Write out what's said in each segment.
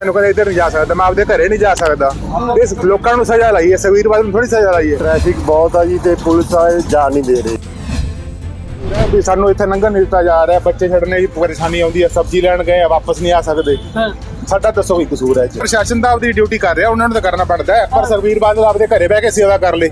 ਮੈਨੂੰ ਕਹਿੰਦਾ ਇੱਧਰ ਨਹੀਂ ਜਾ ਸਕਦਾ, ਮੈਂ ਆਪਦੇ ਘਰੇ ਨਹੀਂ ਜਾ ਸਕਦਾ। ਇਸ ਲੋਕਾਂ ਨੂੰ ਸਜ਼ਾ ਲਾਈ ਹੈ, ਸੁਖਬੀਰ ਬਾਦਲ ਨੂੰ ਥੋੜੀ ਸਜ਼ਾ ਲਾਈ ਹੈ। ਟ੍ਰੈਫਿਕ ਬਹੁਤ ਆ ਜੀ ਤੇ ਪੁਲਿਸ ਵਾਲੇ ਜਾ ਨਹੀਂ ਦੇ ਰਹੇ ਵੀ ਸਾਨੂੰ ਇੱਥੇ ਲੰਘਣ ਨਹੀਂ ਦਿੱਤਾ ਜਾ ਰਿਹਾ, ਬੱਚੇ ਛੱਡਣੇ ਦੀ ਪਰੇਸ਼ਾਨੀ ਆਉਂਦੀ ਹੈ, ਸਬਜ਼ੀ ਲੈਣ ਗਏ ਵਾਪਸ ਨਹੀਂ ਆ ਸਕਦੇ। ਸਾਡਾ ਦੱਸੋ ਕੀ ਕਸੂਰ ਹੈ? ਪ੍ਰਸ਼ਾਸਨ ਤਾਂ ਆਪਦੀ ਡਿਊਟੀ ਕਰ ਰਿਹਾ, ਉਹਨਾਂ ਨੂੰ ਤਾਂ ਕਰਨਾ ਬਣਦਾ ਹੈ, ਪਰ ਸੁਖਬੀਰ ਬਾਦਲ ਆਪਦੇ ਘਰੇ ਬਹਿ ਕੇ ਸੇਵਾ ਕਰ ਲੇ।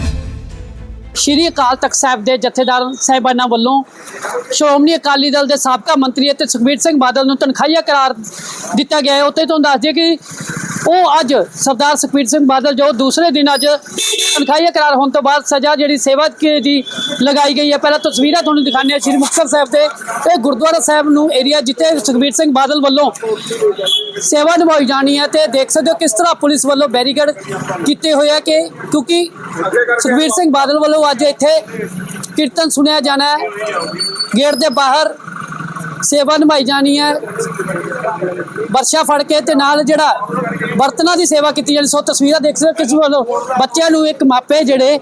ਸ਼੍ਰੀ ਅਕਾਲ ਤਖਤ ਸਾਹਿਬ ਦੇ ਜਥੇਦਾਰ ਸਾਹਿਬਾਨਾਂ ਵੱਲੋਂ ਸ਼੍ਰੋਮਣੀ ਅਕਾਲੀ ਦਲ ਦੇ ਸਾਬਕਾ ਮੰਤਰੀ ਅਤੇ ਸੁਖਬੀਰ ਸਿੰਘ ਬਾਦਲ ਨੂੰ ਤਨਖਾਹੀਆ ਕਰਾਰ ਦਿੱਤਾ ਗਿਆ ਹੈ। ਉੱਥੇ ਤੋਂ ਦੱਸ ਦਈਏ ਕਿ ਉਹ ਅੱਜ ਸਰਦਾਰ ਸੁਖਬੀਰ ਸਿੰਘ ਬਾਦਲ ਜੋ ਦੂਸਰੇ ਦਿਨ ਅੱਜ ਤਨਖਾਹੀਆ ਕਰਾਰ ਹੋਣ ਤੋਂ ਬਾਅਦ ਸਜ਼ਾ ਜਿਹੜੀ ਸੇਵਾ ਦੀ ਲਗਾਈ ਗਈ ਹੈ। ਪਹਿਲਾਂ ਤਸਵੀਰਾਂ ਤੁਹਾਨੂੰ ਦਿਖਾਉਂਦੇ ਹਾਂ ਸ਼੍ਰੀ ਮੁਕਤਸਰ ਸਾਹਿਬ ਦੇ ਇਹ ਗੁਰਦੁਆਰਾ ਸਾਹਿਬ ਨੂੰ ਏਰੀਆ ਜਿੱਥੇ ਸੁਖਬੀਰ ਸਿੰਘ ਬਾਦਲ ਵੱਲੋਂ ਸੇਵਾ ਨਿਭਾਈ ਜਾਣੀ ਹੈ ਤੇ ਦੇਖ ਸਕਦੇ ਹੋ ਕਿਸ ਤਰ੍ਹਾਂ ਪੁਲਿਸ ਵੱਲੋਂ ਬੈਰੀਕੇਡ ਕੀਤੇ ਹੋਏ ਆ ਕਿ ਕਿਉਂਕਿ ਸੁਖਬੀਰ ਸਿੰਘ ਬਾਦਲ ਵੱਲੋਂ ਅੱਜ ਇੱਥੇ ਕੀਰਤਨ ਸੁਣਿਆ ਜਾਣਾ ਹੈ। ਗੇਟ ਦੇ ਬਾਹਰ ਸੇਵਾ ਨਿਭਾਈ ਜਾਣੀ ਹੈ, ਵਰਸ਼ਾ ਫੜ ਕੇ ਤੇ ਨਾਲ ਜਿਹੜਾ ਬਰਤਨਾਂ ਦੀ ਸੇਵਾ ਕੀਤੀ ਜਾਣੀ। ਸੋ ਤਸਵੀਰਾਂ ਦੇਖ ਸਕਦੇ ਕਿਸ ਵੱਲੋਂ ਬੱਚਿਆਂ ਨੂੰ ਇੱਕ ਮਾਪੇ ਜਿਹੜੇ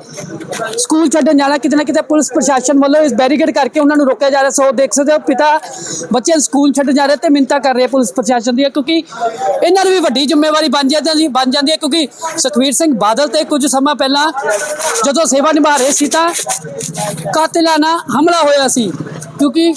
ਸਕੂਲ ਛੱਡਣ ਜਾਣਾ ਕਿਤੇ ਨਾ ਕਿਤੇ ਪੁਲਿਸ ਪ੍ਰਸ਼ਾਸਨ ਵੱਲੋਂ ਇਸ ਬੈਰੀਕੇਡ ਕਰਕੇ ਉਹਨਾਂ ਨੂੰ ਰੋਕਿਆ ਜਾ ਰਿਹਾ। ਸੋ ਦੇਖ ਸਕਦੇ ਹੋ ਪਿਤਾ ਬੱਚੇ ਸਕੂਲ ਛੱਡਣ ਜਾ ਰਹੇ ਤੇ ਮਿੰਨਤਾਂ ਕਰ ਰਹੇ ਪੁਲਿਸ ਪ੍ਰਸ਼ਾਸਨ ਦੀਆਂ, ਕਿਉਂਕਿ ਇਹਨਾਂ ਨੂੰ ਵੀ ਵੱਡੀ ਜ਼ਿੰਮੇਵਾਰੀ ਬਣ ਜਾਂਦੀ ਹੈ ਕਿਉਂਕਿ ਸੁਖਬੀਰ ਸਿੰਘ ਬਾਦਲ ਤੇ ਕੁਝ ਸਮਾਂ ਪਹਿਲਾਂ ਜਦੋਂ ਸੇਵਾ ਨਿਭਾ ਰਹੇ ਸੀ ਤਾਂ ਕਾਤਿਲਾਨਾ ਹਮਲਾ ਹੋਇਆ ਸੀ। ਕਿਉਂਕਿ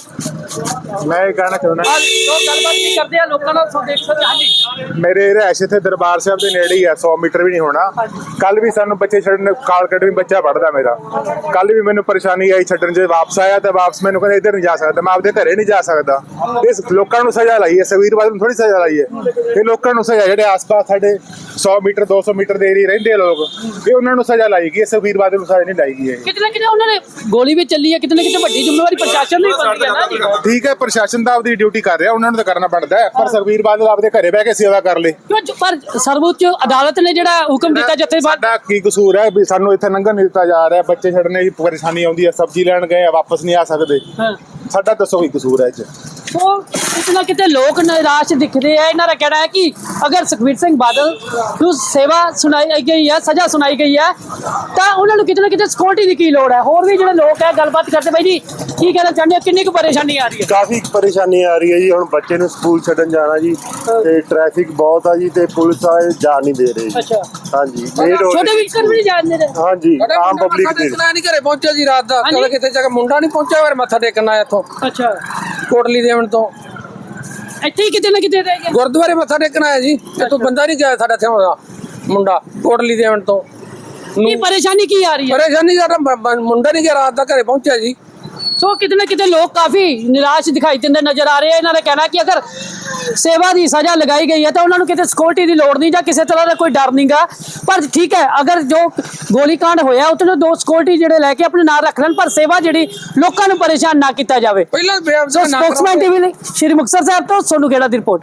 ਮੈਂ ਇਹ ਕਹਿਣਾ ਚਾਹੁੰਦਾ ਗੱਲਬਾਤ ਨਹੀਂ ਕਰਦੇ ਆ ਲੋਕਾਂ ਨਾਲ। ਦੇਖ ਸਕਦੇ ਹਾਂਜੀ ਮੇਰੇ ਰਿਹਾਇਸ਼ ਇੱਥੇ ਦਰਬਾਰ ਸਾਹਿਬ ਦੇ ਨੇੜੇ ਹੀ ਹੈ, 100 ਮੀਟਰ ਵੀ ਨਹੀਂ ਹੋਣਾ। ਕੱਲ ਵੀ ਸਾਨੂੰ ਬੱਚੇ ਛੱਡਣ ਕਾਲ ਕੱਢਣੀ, ਬੱਚਾ ਪੜਦਾ ਮੇਰਾ, ਕੱਲ ਵੀ ਮੈਨੂੰ ਪਰੇਸ਼ਾਨੀ ਆਈ ਛੱਡਣ। ਜੇ ਵਾਪਸ ਆਇਆ ਤਾਂ ਵਾਪਸ ਮੈਨੂੰ ਕਹਿੰਦਾ ਇੱਧਰ ਨਹੀਂ ਜਾ ਸਕਦਾ, ਮੈਂ ਆਪਦੇ ਘਰੇ ਨਹੀਂ ਜਾ ਸਕਦਾ। ਇਸ ਲੋਕਾਂ ਨੂੰ ਸਜ਼ਾ ਲਾਈ ਹੈ, ਸੁਖਬੀਰ ਬਾਦਲ ਨੂੰ ਥੋੜੀ ਸਜ਼ਾ ਲਾਈ ਹੈ। ਇਹ ਲੋਕਾਂ ਨੂੰ ਸਜ਼ਾ ਜਿਹੜੇ ਆਸ-ਪਾਸ ਸਾਡੇ 100 ਮੀਟਰ 200 ਮੀਟਰ ਦੇ ਏਰੀਏ ਰਹਿੰਦੇ ਆ ਲੋਕ, ਇਹ ਉਹਨਾਂ ਨੂੰ ਸਜ਼ਾ ਲਾਈ ਗਈ, ਸੁਖਬੀਰ ਬਾਦਲ ਨੂੰ ਸਜ਼ਾ ਨਹੀਂ ਲਾਈ ਗਈ। ਕਿਤੇ ਨਾ ਕਿਤੇ ਉਹਨਾਂ ਨੇ ਗੋਲੀ ਵੀ ਚੱਲੀ ਹੈ, ਕਿਤੇ ਨਾ ਕਿਤੇ ਵੱਡੀ ਜ਼ਿੰਮੇਵਾਰੀ ਪ੍ਰਸ਼ਾਸਨ ਦੀ ਬਣਦੀ ਹੈ ਨਾ ਜੀ। ਠੀਕ ਹੈ, ਪ੍ਰਸ਼ਾਸਨ ਤਾਂ ਆਪਦੀ ਡਿਊਟੀ ਕਰ ਰਿਹਾ, ਉਹਨਾਂ ਨੂੰ ਤਾਂ ਕਰਨਾ ਬਣਦਾ ਹੈ, ਪਰ ਸੁਖਬੀਰ ਬਾਦਲ ਆਪਦੇ ਘਰੇ ਬਹਿ ਕੇ ਸੇਵਾ ਕਰ ਲੇ। ਪਰ ਸਰਵਉੱਚ ਅਦਾਲਤ ਨੇ ਜਿਹੜਾ ਹੁਕਮ ਦਿੱਤਾ ਜਥੇਦਾਰ ਸਾਡਾ ਕੀ ਕਸੂਰ ਹੈ ਵੀ ਸਾਨੂੰ ਇੱਥੇ ਲੰਘਣ ਨਹੀਂ ਦਿੱਤਾ ਜਾ ਰਿਹਾ, ਬੱਚੇ ਛੱਡਣੇ ਦੀ ਪਰੇਸ਼ਾਨੀ ਆਉਂਦੀ ਹੈ, ਸਬਜ਼ੀ ਲੈਣ ਗਏ ਵਾਪਸ ਨਹੀਂ ਆ ਸਕਦੇ। ਸਾਡਾ ਦੱਸੋ ਕੀ ਕਸੂਰ ਹੈ ਇਹ 'ਚ? ਉਹ ਕਿਤੇ ਨਾ ਕਿਤੇ ਲੋਕ ਨਿਰਾਸ਼ ਦਿਖਦੇ ਆ। ਇਹਨਾਂ ਦਾ ਕਹਿਣਾ ਹੈ ਕਿ ਅਗਰ ਸੁਖਬੀਰ ਸਿੰਘ ਬਾਦਲ ਨੂੰ ਸੇਵਾ ਸੁਣਾਈ ਗਈ ਹੈ, ਸਜ਼ਾ ਸੁਣਾਈ ਗਈ ਹੈ ਤਾਂ ਉਹਨਾਂ ਨੂੰ ਕਿਤੇ ਨਾ ਕਿਤੇ ਸਿਕਿਉਰਿਟੀ ਦੀ ਕੀ ਲੋੜ ਹੈ। ਹੋਰ ਵੀ ਜਿਹੜੇ ਲੋਕ ਹੈ ਗੱਲਬਾਤ ਕਰਦੇ ਬਾਈ ਜੀ ਕੀ ਕਹਿਣਾ ਚਾਹੁੰਦੇ ਹੋ, ਕਿੰਨੀ ਕੁ ਪਰੇਸ਼ਾਨੀ ਆ ਰਹੀ ਹੈ? ਕਾਫੀ ਪਰੇਸ਼ਾਨੀ ਆ ਰਹੀ ਹੈ ਜੀ। ਹੁਣ ਬੱਚੇ ਨੂੰ ਸਕੂਲ ਛੱਡਣ ਜਾਣਾ ਜੀ ਤੇ ਟ੍ਰੈਫਿਕ ਬਹੁਤ ਆ ਜੀ ਤੇ ਪੁਲਿਸ ਵਾਲੇ ਜਾ ਨਹੀਂ ਦੇ ਰਹੇ। ਅੱਛਾ ਹਾਂਜੀ ਛੋਟੇ ਵਿਕਰ ਵੀ ਨਹੀਂ ਜਾਣਦੇ ਨੇ। ਹਾਂਜੀ ਆਮ ਪਬਲਿਕ ਦੇ ਨਹੀਂ ਘਰੇ ਪਹੁੰਚਿਆ ਜੀ ਰਾਤ ਦਾ, ਕਦੇ ਕਿਤੇ ਜਾ ਕੇ ਮੁੰਡਾ ਨਹੀਂ ਪਹੁੰਚਿਆ, ਫਿਰ ਮੱਥਾ ਟੇਕਣ ਆਇਆ ਇੱਥੋਂ ਅੱਛਾ ਕੋਟਲੀ ਦੇਵਣ ਤੋਂ ਇੱਥੇ ਹੀ ਕਿਤੇ ਨਾ ਕਿਤੇ ਰਹਿ ਗਿਆ। ਗੁਰਦੁਆਰੇ ਮੱਥਾ ਟੇਕਣ ਆਇਆ ਜੀ, ਇੱਥੋਂ ਬੰਦਾ ਨਹੀਂ ਗਿਆ ਸਾਡਾ ਇੱਥੇ ਆਉਂਦਾ ਮੁੰਡਾ ਕੋਟਲੀ ਦੇਵਣ ਤੋਂ। ਕੀ ਪਰੇਸ਼ਾਨੀ ਕੀ ਆ ਰਹੀ ਹੈ? ਪਰੇਸ਼ਾਨੀ ਸਾਡਾ ਮੁੰਡਾ ਨਹੀਂ ਗਿਆ ਰਾਤ ਦਾ, ਘਰੇ ਪਹੁੰਚਿਆ ਜੀ। ਸੋ ਕਿਤੇ ਨਾ ਕਿਤੇ ਲੋਕ ਕਾਫੀ ਨਿਰਾਸ਼ ਦਿਖਾਈ ਦਿੰਦੇ ਨਜ਼ਰ ਆ ਰਹੇ ਆ। ਇਹਨਾਂ ਦਾ ਕਹਿਣਾ ਕਿ ਅਗਰ ਸੇਵਾ ਦੀ ਸਜ਼ਾ ਲਗਾਈ ਗਈ ਹੈ ਤਾਂ ਉਹਨਾਂ ਨੂੰ ਕਿਤੇ ਸਿਕਿਉਰਿਟੀ ਦੀ ਲੋੜ ਨਹੀਂ ਜਾਂ ਕਿਸੇ ਤਰ੍ਹਾਂ ਦਾ ਕੋਈ ਡਰ ਨਹੀਂਗਾ। ਪਰ ਠੀਕ ਹੈ, ਅਗਰ ਜੋ ਗੋਲੀकांड ਹੋਇਆ ਉੱਥੇ ਦੋ ਸਿਕਿਉਰਿਟੀ ਜਿਹੜੇ ਲੈ ਕੇ ਆਪਣੇ ਨਾਲ ਰੱਖ ਲੈਣ, ਪਰ ਸੇਵਾ ਜਿਹੜੀ ਲੋਕਾਂ ਨੂੰ ਪਰੇਸ਼ਾਨ ਨਾ ਕੀਤਾ ਜਾਵੇ। ਪਹਿਲਾਂ ਸਪੋਕਸਮੈਨ ਟੀਵੀ ਲਈ ਸ਼੍ਰੀ ਮੁਕਤਸਰ ਸਾਹਿਬ ਤੋਂ ਸੋਨੂ ਖੇੜਾ ਦੀ ਰਿਪੋਰਟ।